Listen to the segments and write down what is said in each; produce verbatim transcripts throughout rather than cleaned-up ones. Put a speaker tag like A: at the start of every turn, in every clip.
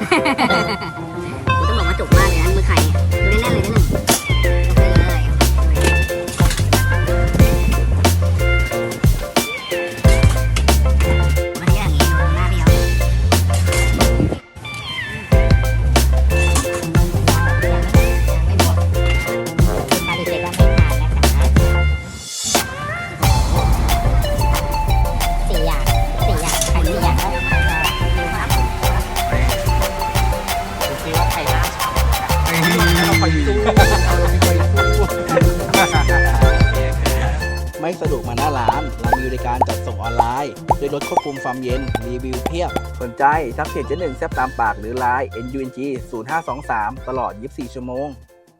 A: ต้องบอกว่าจุกมากเลยนะมือไข่ดูแน่นๆเลยนะหนึ่งเลยวันนี้อย่างนี้ดูหน้าพี่เขาไม่บวกปฏิเสธว่าไม่ผ่านนะคะสี่อย่างสี่อย่างไข่สี่อย่างแล้วดูครับดูซิว่าไข่หน้าฉ่ำเราคอยสู้
B: ไม่สะดวกมาหน้าร้านเรามีบริการจัดส่งออนไลน์ด้วยรถควบคุมความเย็นรีวิวเพียบสนใจทักเพจเจ๊หนึ่งแซ่บตามปากหรือไลน์ เอ็น ยู เอ็น จี ศูนย์ ห้า สอง สาม ตลอดยี่สิบสี่ชั่วโมง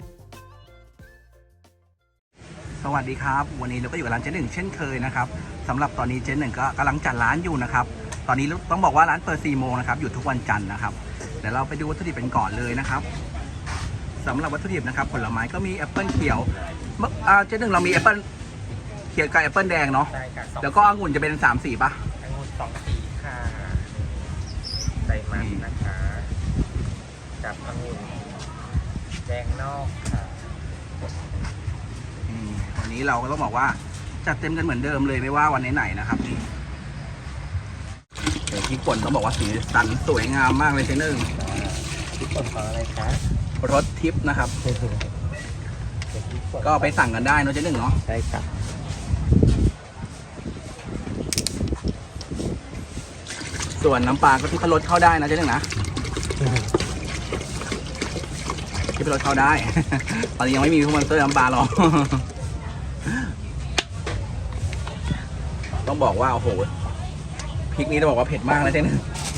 B: สวัสดีครับวันนี้เราก็อยู่กับร้านเจ๊หนึ่งเช่นเคยนะครับสำหรับตอนนี้เจ๊หนึ่งก็กำลังจัดร้านอยู่นะครับตอนนี้ต้องบอกว่าร้านเปิดสี่โมงนะครับอยู่ทุกวันจันทร์นะครับเดี๋ยวเราไปดูวัตถุดิบเป็นก่อนเลยนะครับสำหรับวัตถุดิบนะครับผลไม้ก็มีแอปเปิลเขียวเมื่อเจ๊หนึ่งเรามีแอปเปิลเขียวกับแอปเปิลแดงเนาะแล้วก็องุ่นจะเป็นสามสีป่ะ
C: องุ่นสองสีค่ะใส่มันนะคะกับองุ่นแดงนอกค่ะ
B: วันนี้เราก็ต้องบอกว่าจัดเต็มกันเหมือนเดิมเลยไม่ว่าวันไหนๆนะครับนี่เดี๋ยวพริกป่นต้องบอกว่าสีสันสวยงามมากเลยเจ๊หนึ่ง
C: พริกป่นของอะไรคะ
B: รสทิพย์นะครับก็ไปสั่งกันได้เนาะเจ๊หนึ่งเนาะ
C: ใช่ครับ
B: ส่วนน้ำปลาก็ทุกรสเข้าได้นะเจ๊หนึ่งนะที่เป็นรสเข้าได้ ตอนนี้ยังไม่มีพวกมันเตอร์น้ำปลาหรอก ต้องบอกว่าโอ้โหพริกนี้ต้องบอกว่าเผ็ดมากนะเจ๊หนึ่ง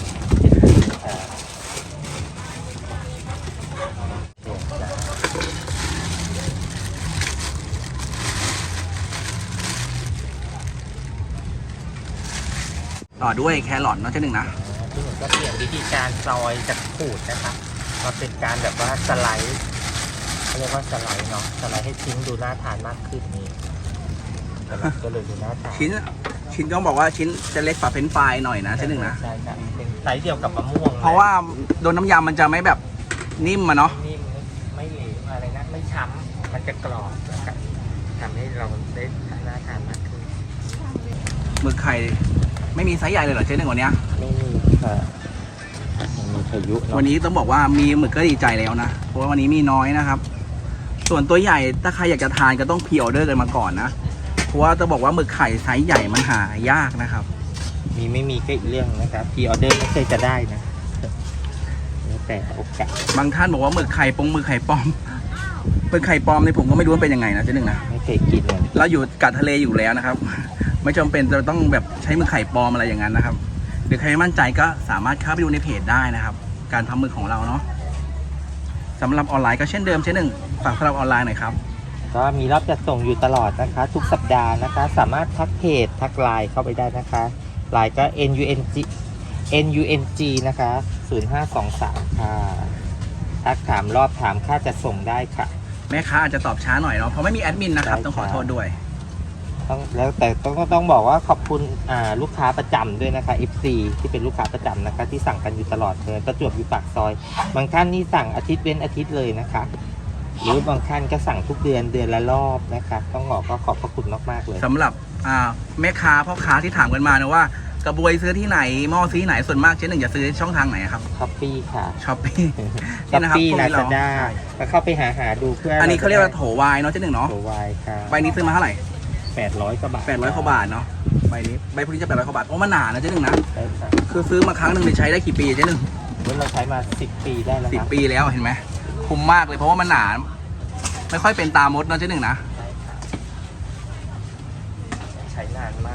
B: ต่อด้วยแครอทเนาะเจ๊หนึ่งนะ
C: ที่หนึ่งก็เปลี่ยนวิธีการซอยจากขูดนะคะมาเป็นการแบบว่าสไลด์เขาเรียกว่าสไลด์เนาะสไลด์ให้ชิ้นดูน่าทานมากขึ้นนี้ก็เลยดูน่าทาน
B: ชิ้นชิ้นต้องบอกว่าชิ้นจะเล็กกว่าเฟรนช์ฟรายหน่อยนะเจ๊หนึ่งนะ
C: ใช่ครับเป็นไซส์เดียวกับมะม่วง
B: เพราะว่าโดนน้ำยำมันจะไม่แบบนิ่มอะเนาะ
C: นิ่มไม่เหลวอะไรนะไม่ช้ำมันจะกรอบนะครับทำให้เราได้น่าทานมากขึ้น
B: หมึกไข่ไม่มีไซส์ใหญ่เลยเหรอเจ๊หนึ่งวันนี้
C: ไม่มีค่ะมีพายุ
B: วันนี้ต้องบอกว่ามีหมึกก็ดีใจแล้วนะเพราะว่าวันนี้มีน้อยนะครับส่วนตัวใหญ่ถ้าใครอยากจะทานก็ต้องพรีออเดอร์กันมาก่อนนะเพราะว่าจะบอกว่าหมึกไข่ไซส์ใหญ่มันหายากนะครับ
C: มีไม่มีก็อีกเรื่องนะครับพรีออเดอร์ไม่เคยจะได้นะแล้วแต่โอกาส
B: บางท่านบอกว่าหมึกไข่ปงหมึกไข่ปลอมหมึกไข่ปลอมในผมก็ไม่รู้ว่าเป็นยังไงนะเจ๊หนึ่งนะ
C: ไม่เคยกินเลย
B: เราอยู่กัดทะเลอยู่แล้วนะครับไม่จำเป็นจะต้องแบบใช้หมึกไข่ปลอมอะไรอย่างนั้นนะครับหรือใครไม่มั่นใจก็สามารถเข้าไปดูในเพจได้นะครับการทำหมึกของเราเนาะสำหรับออนไลน์ก็เช่นเดิมเช่นหนึ่งฝากสำหรับออนไลน์หน่อยครับ
C: ก็มีรับจัดส่งอยู่ตลอดนะคะทุกสัปดาห์นะคะสามารถทักเพจทักไลน์เข้าไปได้นะคะไลน์ก็ เอ็น ยู เอ็น จี เอ็น ยู เอ็น จี นะคะศูนย์ ห้า สอง สามค่ะทักถามรอบถามค่าจัดส่งได้ค่ะ
B: แม่ค้าอาจจะตอบช้าหน่อยเนาะเพราะไม่มีแอดมินนะครับต้องขอโทษด้วย
C: ต้องแล้วแต่ต้องต้องบอกว่าขอบคุณอ่าลูกค้าประจำด้วยนะคะ เอฟ ซี ที่เป็นลูกค้าประจำนะคะที่สั่งกันอยู่ตลอดเลยประจวบอยู่ปากซอยบางท่านนี่สั่งอาทิตย์เว้นอาทิตย์เลยนะคะหรือบางท่านก็สั่งทุกเดือนเดือนละรอบนะคะต้องบอกก็ขอบพระคุณมากๆเลย
B: สำหรับอ่าแม่ค้าพ่อค้าที่ถามกันมานะว่ากระบวยซื้อที่ไหนหม้อซื้อที่ไหนส่วนมากเจ๊หนึ่งจะซื้อช่องทางไหนครับ
C: ช้อปปี้ค่ะ
B: ช้อปปี้
C: ช้อปปี้ลาซาด้าก็เข้าไปหาหาดูเพื่อ
B: อันนี้เขาเรียกว่าโถวายเนาะเจ๊หนึ่งเนาะ
C: โถวายค่ะ
B: ใบนี้ซื้อมาเท่าไหร่
C: แปดร้อยกว่าบาท
B: แปดร้อยกว่าบาทเนาะใบนี้ใบพวกนี้จะแปดร้อยกว่าบาทเพราะมันหนานะเจ๊หนึ่งนะคือซื้อมาครั้งหนึ่งใช้ได้กี่ปีเจ๊หนึ่ง
C: เราใช้มาสิบปีได้แล้ว
B: สิบปีแล้วเห็นไหมคุ้มมากเลยเพราะว่ามันหนาไม่ค่อยเป็นตามดเนาะเจ๊หนึ่งนะ
C: ใช้นานมาก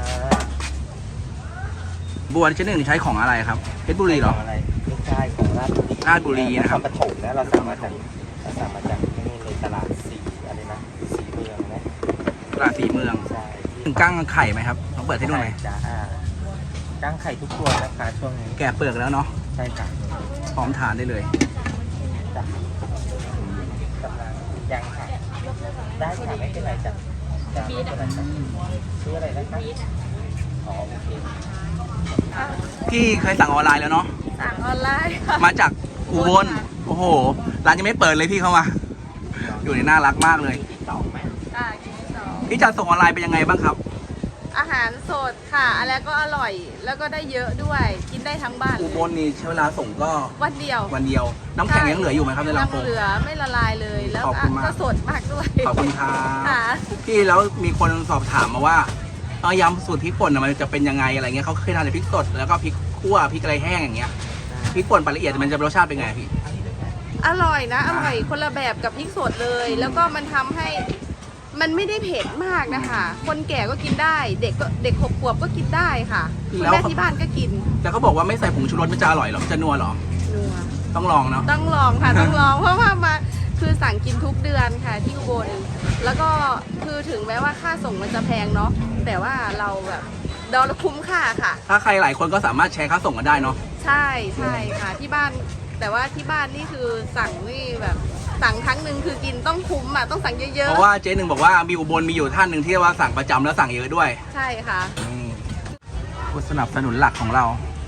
B: บัวเจ๊หนึ่งใช้ของอะไรครับเพชรบุรีเหรอ
C: อะไรไม่ใช่ของราชบุรี
B: ราชบุรีนะครับ
C: ปฐมนะเราสั่งมาจากเราสั่งมาจากที่นี่เลยตลาดสีอะไรนะสีเมืองนะ
B: ตลาดสีเมือง
C: ใช่
B: ถึงกั้งไข่ไหมครับต้องเปิดให้ดูหน่อย
C: จ้ากั้งไข่ทุกตัวนะคะช่วงนี้
B: แกะเปลือกแล้วเนาะ
C: ใช่ค่ะ
B: พร้อมทานได้เลย
C: จ้ะกำลังยังค่ะได้ค่ะไม่เป็นไรจ้ะจ้ะไม่เป็นไรจ้ะซื้ออะไรนะคะอ๋อโอเค
B: พี่เคยสั่งออนไลน์แล้วเนาะ
D: สั่งออนไลน์
B: มาจากอุบลโอ้โหร้านยังไม่เปิดเลยพี่เข้ามา อยู่ในน่ารักมากเลย
C: ที่สองไหม
D: ค่ะกินที่สอง
B: พี่จัดส่งออนไลน์เป็นยังไงบ้างครับ
D: อาหารสดค่ะอะไรก็อร่อย แล้วก็ได้เยอะด้วย กินได้ทั้งบ้าน
B: อุบลนี่ใช้เวลาส่งก็
D: วันเดียว
B: วันเดียว น้ำแข็งยังเหลืออยู่ไหมครับในลำโพง
D: น้ำเหลือไม่ละลายเลย แล้ว
B: ขอบคุณมาก
D: ก็สดมากด้วย
B: ขอบคุณครับ
D: ค่ะ
B: พี่แล้วมีคนสอบถามมาว่าเอายำสูตรพริกป่นน่ะมันจะเป็นยังไงอะไรเงี้ยเขาเคยทานแต่พริกสดแล้วก็พริกคั่วพริกอะไรแห้งอย่างเงี้ยพริกป่นปลาละเอียดมันจะรสชาติเป็นไงพี่
D: อร่อยนะ อร่อยคนละแบบกับพริกสดเลย แล้วก็มันทำให้มันไม่ได้เผ็ดมากนะคะ คนแก่ก็กินได้ เด็กก็เด็กหกขวบก็กินได้ค่ะคุณแม่ที่บ้านก็กิน
B: แต่เขาบอกว่าไม่ใส่ผงชูรสมันจะอร่อยหรอจะนัวหรอ
D: นัว
B: ต้องลองเนาะ
D: ต้องลองค่ะ ต้องลองเพราะว่ามาคือสั่งกินทุกเดือนค่ะที่อุบลแล้วก็คือถึงแม้ว่าค่าส่งมันจะแพงเนาะแต่ว่าเราแบบเราคุ้มค่าค่ะ
B: ถ้าใครหลายคนก็สามารถแชร์ค่าส่งกันได้เนาะ
D: ใช่ใช่ค่ะที่บ้าน แต่ว่าที่บ้านนี่คือสั่งนี่แบบสั่งครั้งหนึ่งคือกินต้องคุ้มอ่ะต้องสั่งเยอะ
B: เพราะว่าเจ๊หนึ่งบอกว่ามีอุบลมีอยู่ท่านหนึ่งที่ว่าสั่งประจำแล้วสั่งเยอะด้วย
D: ๆใช่ค่ะ
B: นี่ผู้สนับสนุนหลักของเรา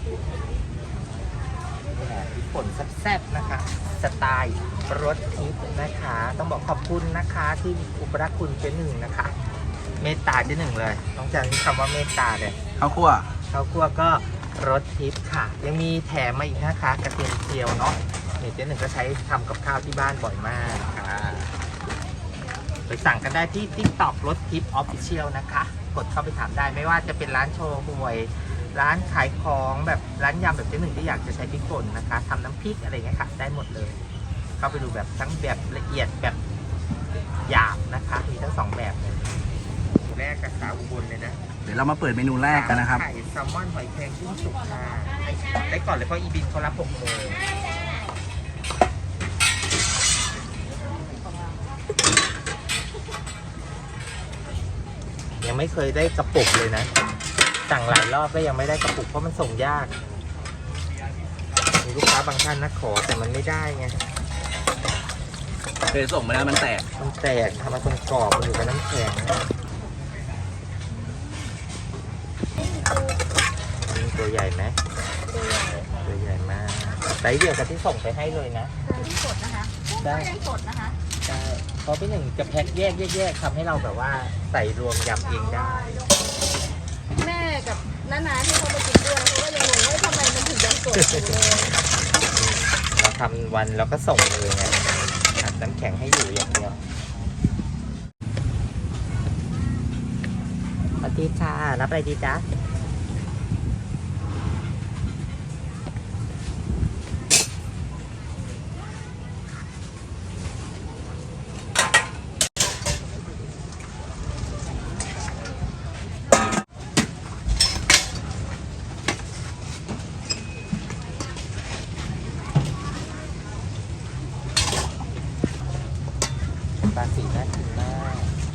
C: พริกป่นแซ่บๆนะคะ สไตล์รสทิพย์นะคะ ต้องบอกขอบคุณนะคะที่อุปรักคุณเจ๊หนึ่งนะคะ เมตตาเจ๊หนึ่งเลยต้องจำคำว่าเมตตาเลย
B: ข้าวคั่ว
C: ข้าวคั่วก็รสทิพย์ค่ะ ยังมีแถมมาอีกนะคะกระเทียมเจียวเนาะเนี่ยเจ๊หนึ่งก็ใช้ทำกับข้าวที่บ้านบ่อยมากค่ะไปสั่งกันได้ที่ TikTok รสทิพย์ Official นะคะ กดเข้าไปถามได้ไม่ว่าจะเป็นร้านโชว์หวย ร้านขายของแบบร้านยำแบบเจ๊หนึ่งที่อยากจะใช้พริกป่นนะคะทำน้ำพริกอะไรอย่างเงี้ยค่ะได้หมดเลย เข้าไปดูแบบทั้งแบบละเอียดแบบหยาบนะคะมีทั้งสองแบบเลยแรกกับสาวอุบลเลยนะ
B: เดี๋ยวเรามาเปิดเมนูแรกกันนะครับ
C: ไข่แซลมอนหอยแครงกุ้งสุกค่ะได้ก่อนเลยเพราะอีบินเขารับหกโมงยังไม่เคยได้กระปุกเลยนะสั่งหลายรอบก็ยังไม่ได้กระปุกเพราะมันส่งยากมีลูกค้าบางท่านนะขอแต่มันไม่ได้ไง
B: เคยส่งมาแล้วมันแตก
C: มันแตกทำมาคนกรอบมันอยู่กับน้ำแข็งนี่ตัวใหญ่ไหมตัวใหญ่มากไซส์เดียวกับที่ส่งไปให้เลยนะ
D: ที่สดนะคะ
C: ได้
D: ยังสดนะคะ
C: ใช่เพราะพี่หนึ่งจะแพ็คแยกแยกๆทำให้เราแบบว่าใส่รวมยำเองได้
D: แม่กับน้าๆที่เขามากินด้วยเขาก็ยังงงว่าทำไมมันถึงยังสดอยู่เลย
C: เราทำวันเราก็ส่งเลยไงอัดน้ำแข็งให้อยู่อย่างเดียวสวัสดีค่ะรับอะไรดีจ๊ะปลาสีน่ากินมาก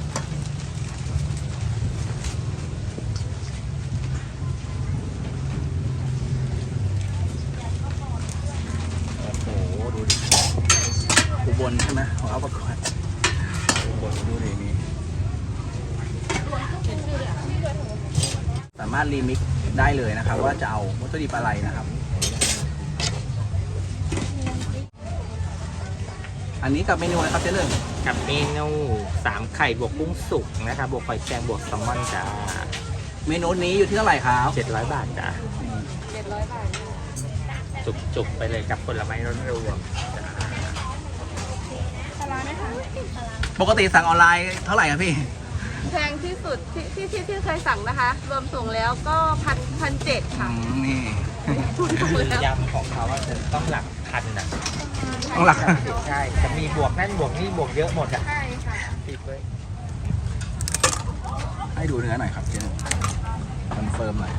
C: โอ้โหดูดิ
B: อุบลใช่ไหมของเอาประกวดอุบลดูดินี่สามารถรีมิกซ์ได้เลยนะครับ ว่าจะเอาวัตถุดิบอะไรนะครับ อันนี้กับเมนูอะไรครับเจ๊เรื่อง
C: กับเมนูสามไข่บวกกุ้งสุกนะคะบวกหอยแครงบวกแซลมอนจ้า
B: เมนูนี้อยู่ที่เท่าไหร่ครับ
C: เจ็ดร้อยบาทจ้า
D: เจ็ดร้อยบาท
C: จุกๆไปเลยกับผลไม้ร้อนรวมจ้า
D: ปลาร้าไหมคะ
B: ปกติสั่งออนไลน์เท่าไหร่ครับพี่
D: แพงที่สุดที่ที่ที่ที่เคยสั่งนะคะ รวมส่งแล้วก็พันพันเจ็ด
B: อื
D: ค่ะ
B: มนี่
D: รวมส่งแล้ว
C: ยำของเขาอะจะต้องหลักพันอ่ะ
B: ต้องหลัก
C: ใช่จะมีบวกนั่นบวกนี่บวกเยอะหมดอ่ะ
D: ใช่ค่ะ
C: ติดไว้
B: ให้ดูเนื้อหน่อยครับเจ๊คอนเฟิร์มหน่อย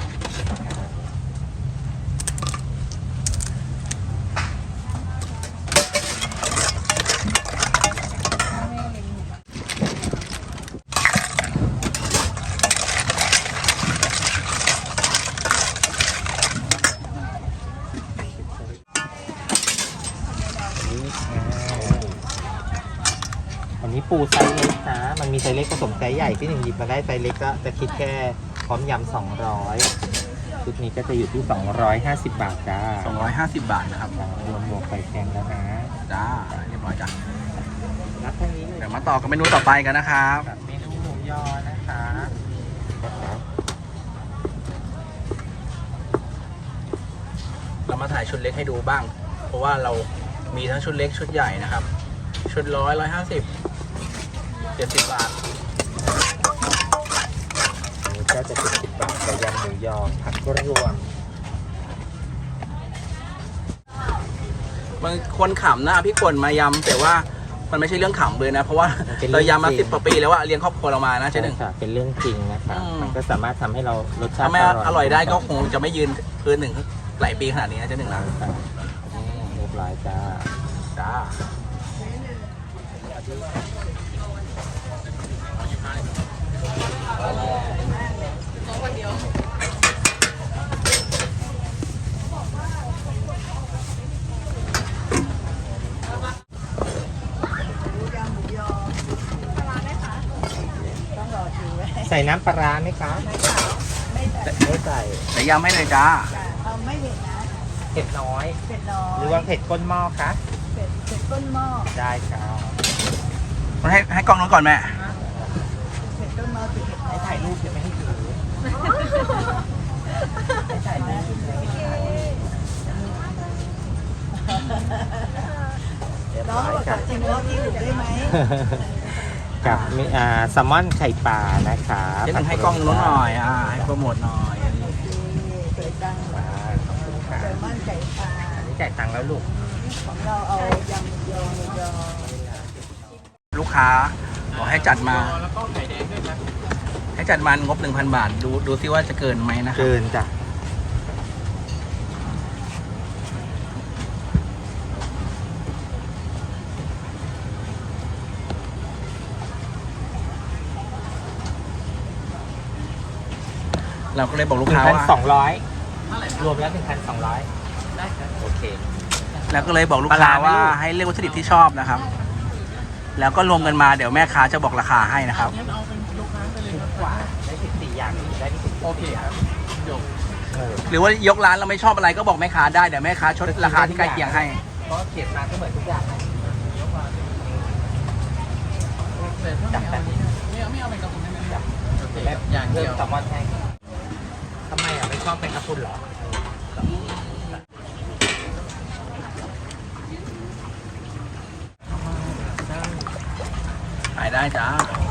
C: อันนี้ปูไซส์เล็กนะ มันมีไซส์เล็กผสมไซส์ใหญ่ที่หนึ่งหยิบมาได้ไซส์เล็กก็จะคิดแค่พร้อมยำสองร้อยชุดนี้ก็จะอยู่ที่สองร้อยห้าสิบบาทจ้า
B: สองร้อยห้าสิบบาทนะครับ
C: รวมหมวกไข่แข็งแล้วนะ
B: จ้าเรียบร้อยจ้ะ
C: รับทางนี้เลย
B: เดี๋ยวมาต่อกับเมนูต่อไปกันนะครับ
C: กับเมนูหมูยอนะคะนะครับ
B: เรามาถ่ายชุดเล็กให้ดูบ้าง เพราะว่าเรามีทั้งชุดเล็กชุดใหญ่นะครับ ชุดร้อยร้อยห้าสิบเจ็ดสิบบาท
C: อันนี้ก็จะเป็นสิบบาทกับยำหมูยอผักรวม
B: บางคนขำนะพี่คนมายำแต่ว่ามันไม่ใช่เรื่องขำเลยนะ เพราะว่าเรายำมาสิบกว่าปีแล้วว่าเลี้ยงครอบครัวเรามานะเจ๊หนึ่ง
C: ค่ะเป็นเรื่องจริงนะคะ
B: อืม
C: มันก็สามารถทำให้เรารสชาติ
B: ถ้าไม่อร่อยได้ก็คงจะไม่ยืนพื้นหนึ่งหลายปีขนาดนี้นะเจ๊หนึ่งนะ
C: ค่ะอืมเรียบร้อยจ้า
B: จ้า
C: ใส่น้ำปลาร้าไหมคะไม่ใส่
B: ใส่ยำให้เลยจ้า
E: เอาไม่เผ็ดนะ
C: เผ็ดน้อย
E: เผ็ดน้อย
C: หรือว่าเผ็ดก้นหม้อคะ
E: เผ็ดเผ็ดก้นหม้อ
C: ได้ครับ
B: ให้ให้กล้องนู้นก่อนแม่
E: เผ็ดก้นหม้อติดเผ็ด
C: ให้ถ่ายรูปจะไม่ให้ถือให้ถ่ายรูปเรียบ
E: น้อง
C: ร้อย
E: บอก
C: ค่ะ
E: กับจิมว่าพี่ถูกได้ไหม
C: กับมีอ่าแซลมอนไข่ปลานะคะ
B: เจ๊หนึ่งให้กล้องนู้นหน่อยอ่าให้โปรโมทหน่อย
E: เปิดตังค์
C: อ่าขอบคุณค่ะ
E: แซลมอนไก่ปลา
C: อันนี้จ่ายตังค์แล้วลูก
E: ของเราเอายำยอหมูยอ
B: ลูกค้าบอกให้จัดมาให้จัดมางบหนึ่งพันบาท ดูดูซิว่าจะเกินไหมนะครับ
C: เกินจ้ะ
B: เราก็เลยบอก
C: ห
B: ลูก
C: นึ่
B: ค้าง
C: พัน
B: ว่า
C: สองร้อยรวมแล้วหนึ่งพันสองร้อยได้ครับโอเค
B: แล้วก็เลยบอกลูกค้า
C: ปลาร้าไหม
B: ว่า
C: ลูก
B: ให้เลือกวัตถุดิบที่ชอบนะครับ แล้วก็รวมกันมาเดี๋ยวแม่ค้าจะบอกราคาให้นะครับ
C: ถูกกว่าได้สิบสี่อย่างได้ที่สิบโอเคครับเออ
B: หรือว่ายกร้านเราไม่ชอบอะไรก็บอกแม่ค้าได้เดี๋ยวแม่ค้าชดราคาที่ใกล้เคียงให้
C: ก็เขียนมาก็เหมือนทุกอย่างจับแบบนี้ไม่เอาไม่เอาเป็นกระปุกจับแบบอย่างเดียวแซลมอนให้ทำไมอ่ะไม่ชอบเป็นกระปุกเหรอ
B: ขายได้จ้าร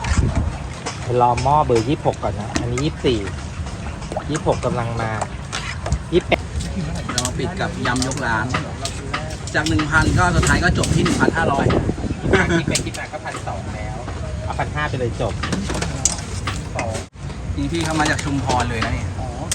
C: อหม้อเบอร์ยี่สิบหกก่อนนะ อันนี้ยี่สิบสี่ยี่สิบหกกำลังมายี่สิบแปด
B: เราปิดกับยำยกร้าน จากหนึ่งพันก็สุดท้ายก็จบที่หนึ่งพันห้าร้อย
C: คิดไปคิดมาก็พันสองแล้วเอาพันห้าไปเลยจบ
B: นี่พี่เขามาจากชุมพรเลยนะเนี่ย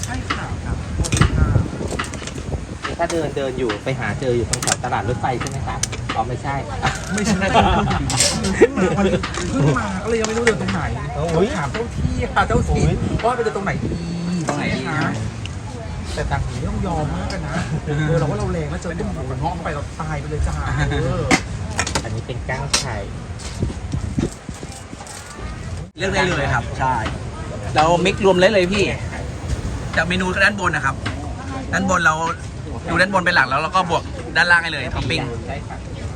C: ถ้าเดินเดินอยู่ไปหาเจออยู่ตรงแถวตลาดรถไฟใช่ไหมคะอ๋อไม่ใช่
F: ไม่ใช่วันนี้เพิ่งมาก็เลยยังไม่รู้เดินตรงไหน
C: โอ้ย
F: ถามเจ้าที่ค่ะเจ้าถิ่นว่าไปเดินตรงไหนดี
B: ตรงไหนดีนะ
F: แต่ต่างหูต้องยอมมากกันนะเออเราว่าเราแรงแล้วเจอตุ้มหูเงาะเข้าไปเราตายไปเลยจ้าเออ
C: อันนี้เป็นก้างไข่
B: เลือกได้เลยครับ ใช่ เรามิกรวมเลยเลยพี่ จากเมนูด้านบนนะครับ ด้านบนเราดูด้านบนเป็นหลักแล้วเราก็บวกด้านล่างให้เลยท็อปปิ้ง
C: ได้ค่ะ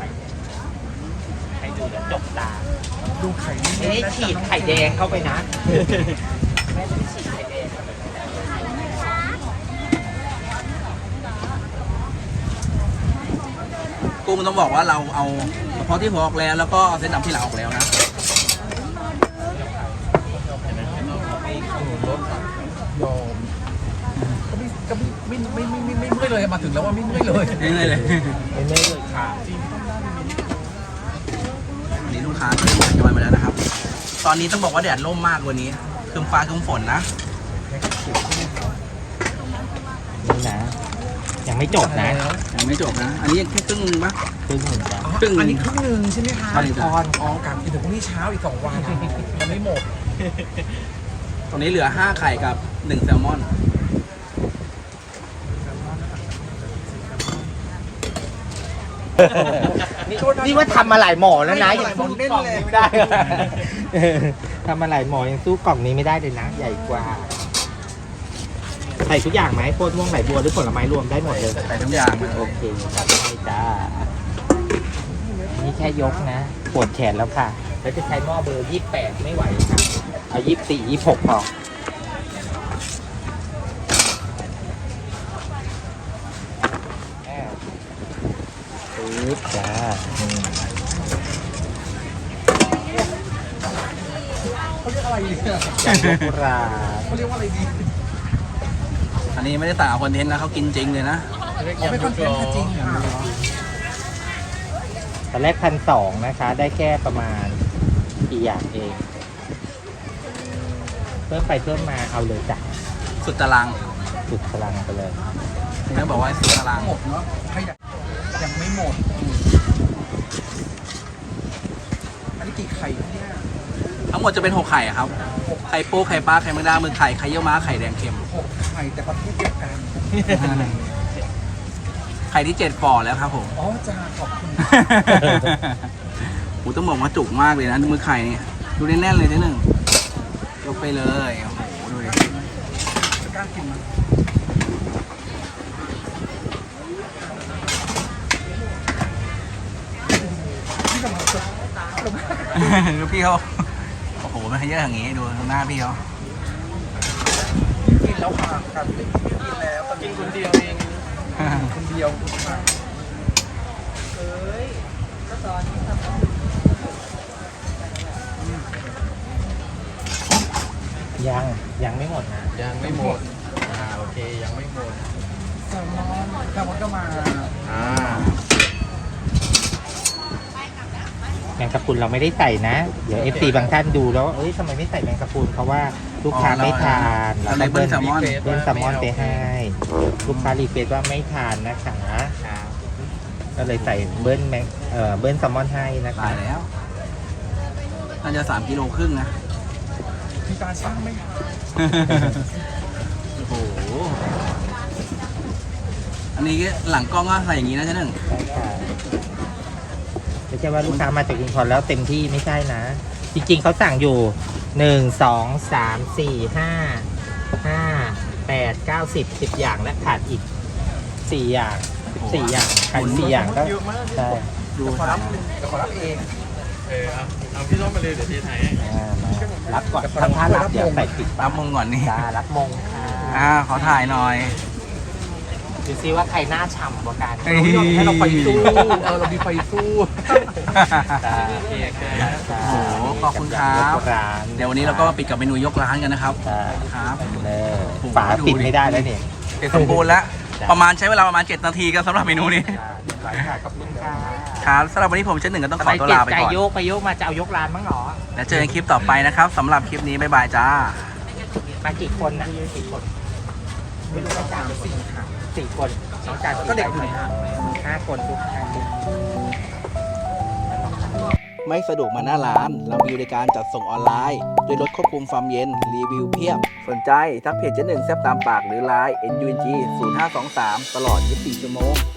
C: ให้ดูเดี๋ยวจบตา
F: ดูไข่นี่
C: ไม่ได้ฉีดไข่แดงเข้าไปนะไม่ได้ฉีดไข่แดง
B: กุ้งต้องบอกว่าเราเอาเฉพาะที่หัวออกแล้ว แล้วก็เอาเส้นดำที่หลังออกแล้วนะ
F: ยอมก็ไม่ก็ไม่ไม่ไม่ไม่ไม่เมื่อยเลยมาถึงแล้วว่าไม่เมื่อยเลย
B: นี่เลยเลย
C: ไม่ไม่เลยค่ะ
B: วันนี้ลูกค้าก็เริ่มทยอยมาแล้วนะครับ ตอนนี้ต้องบอกว่าแดดร่มมากวันนี้คืมฟ้าคืมฝนนะ
C: นี่นะ ยังไม่จบนะ
B: ยังไม่จบนะ อันนี้ยังแค่ครึ่งนึงปะ
C: ครึ่งหนึ่งจ้ะ
B: ครึ่งหนึ่ง
F: อันนี้ครึ่งหนึ่งใช่ไหมคะ
B: ใช่จ้ะ
F: ตอนอ๋อกลับอีกถึงพรุ่งนี้เช้าอีกสองวันยังไม่หมด
B: ตรงนี้เหลือห้าไข่กับหนึ่งแซลมอน
C: นี่ว่าทำมาหลายหมอแล้วนะ
F: ไม่
C: ยัง
F: หลายหม
C: สู้
F: อเล่น
C: กล่อง
F: เลย
C: นี้ไม่ได้ ทำมาหลายหมอยังสู้กล่องนี้ไม่ได้เลยนะ ใหญ่กว่าใส่ทุกอย่างไหมโคตรม่วงไหลบัวหรือผลไม้รวมได้หมดเลย
B: ใส่ทุกอย่างเลย
C: โอเคครับได้จ้านี่แค่ยกนะปวดแขนแล้วค่ะ แล้วจะใช้หม้อเบอร์ยี่สิบแปดไม่ไหวค่ะเอายี่สิบสี่ยี่สิบหกพอปึ๊บจ้าอืม
F: เขาเรียกอะไรเนี่ย
C: ยำยกรา
F: เขาเรียกว่าอะไรดี
B: อันนี้ไม่ได้ต่างกับคอนเทนต์นะเขากินจริงเลยนะ
F: เขาไม่คอนเทนต์จริงค่ะ
C: ตอนแรกพันสองนะคะ ได้แค่ประมาณกี่อย่างเอง เพิ่มไปเพิ่มมาเอาเลยจ้ะ
B: สุดตาราง
C: สุดพลังไปเลย
B: นี่ต้องบอกว่าสุดตาราง
F: หมดเนาะใครอยากยังไม่หมด อันนี้กี่ไข่เนี่ย
B: ทั้งหมดจะเป็นหกไข่อะครับ ไข่ปูไข่ปลาไข่แมงดาหมึกไข่ไข่เยี่ยวม้าไข่แดงเค็ม
F: หกไข่แต่ประเภทเดียวกัน
B: ไข่ที่เจ็ดฝ่อแล้วครับผม
F: อ๋อจ้าขอบคุณ
B: โหต้องบอกว่าจุกมากเลยนะมือไข่เนี่ยดูแน่นๆเลยทีหนึ่งยกไปเลยโอ้โหดูดิ
F: จะกล้ากินมั้ยที่กำลังจะ
B: ดูพี่เขาโอ้โหมันให้เยอะอย่างงี้ดูหน้าพี่เขา
F: กินแล้วค่ะครับกินแล้วกินคนเดียวเองคนเดียวค่ะ
C: ยังยังไม่หมดนะ
F: ยังไม่หมดอ่าโอเคยังไม่หมดแซลมอนแซลมอนก็มาอ่า
C: แมงกะพรุนเราไม่ได้ใส่นะ เดี๋ยวเอฟซีบางท่านดูแล้วเอ้ยทำไมไม่ใส่แมงกะพรุนเพราะว่าลูกค้าไม่ทาน
B: เราเลยเบิ้ลแซลมอน
C: เบิ้ลแซลมอนไปให้ ลูกค้ารีเควสว่าไม่ทานนะคะก็เลยใส่เบิ้ลแมงเอ่อเบิ้ลแซลมอนให้นะคะ
B: ตายแล้วน่าจะสามกิโลครึ่งนะ
F: มีการช่างไหม
B: โอ้โห อันนี้หลังกล้องก็ใส่อย่างนี้นะเจ๊หนึ่ง
C: ใช่ค่ะไม่ใช่ว่าลูกค้ามาจากชุมพรแล้วเต็มที่ไม่ใช่นะ จริงๆเขาสั่งอยู่หนึ่งสองสามสี่ห้าห้าแปดเก้าสิบสิบอย่างและขาดอีกสี่อย่างสี่อย่างขาดอีกสี่อย่างก็
F: เยอะมาก
C: ใช่
B: ดู
F: ขอรับเดี๋ยวขอรับเอง
G: เออเอาเอาพี่ส้มมาเลยเดี๋ยวทีไทยให้
C: อ่ามารับก่อนทำท่ารับเดี๋ยวใส่ติด
B: รับมงก่อนนี่
C: จ้ารับมงค่ะ
B: อ่าขอถ่ายหน่อย
C: ดูซิว่าใครหน้าฉ่ำกว่ากัน
B: เฮ้ย
F: ให้เราไปสู้เออเรามีไฟสู้
C: จ้า
G: โอเคโอเค
C: จ้า
B: โอ้โหขอบคุณครับ
C: ยกร้าน
B: เดี๋ยววันนี้เราก็มาปิดกับเมนูยกร้านกันนะครับ
C: จ้า
B: ครับ
C: เลย
B: โอ้โห
C: ฝาปิดไม่ได้แล้วนี่
B: เสร็จสมบูรณ์แล้ว
C: จ้ะ
B: ประมาณใช้เวลาประมาณเจ็ดนาทีก็สำหรับเมนูนี้
C: จ้าเรียบร้อยค่ะขอบคุณค่ะ
B: ครับสำหรับวันนี้ผมเช่นหนึ่งก็ต้องขอตัวลาไป
C: ใจ
B: ก่อน
C: โยกไปโยกมาจะเอายกร้านมั้งเหรอ
B: แล้วเจอกันคลิปต่อไปนะครับสำหรับคลิปนี้บ๊ายบายจ้า
C: มากี่คนน่ะกี่คนไม่รู้ว่าจานสี่ค่ะสี่คนน้องจาน
F: ก็เด็กอยู่ในห้าง
C: ห้าคนทุกห้าคน
B: ไม่สะดวกมาหน้าร้าน เรามีบริการจัดส่งออนไลน์โดยรถควบคุมความเย็น รีวิวเพียบ สนใจทักเพจเจ๊หนึ่งแซ่บตามปากหรือไลน์ เอ็น ยู เอ็น จี ศูนย์ ห้า สอง สาม ตลอดยี่สิบสี่ชั่วโมง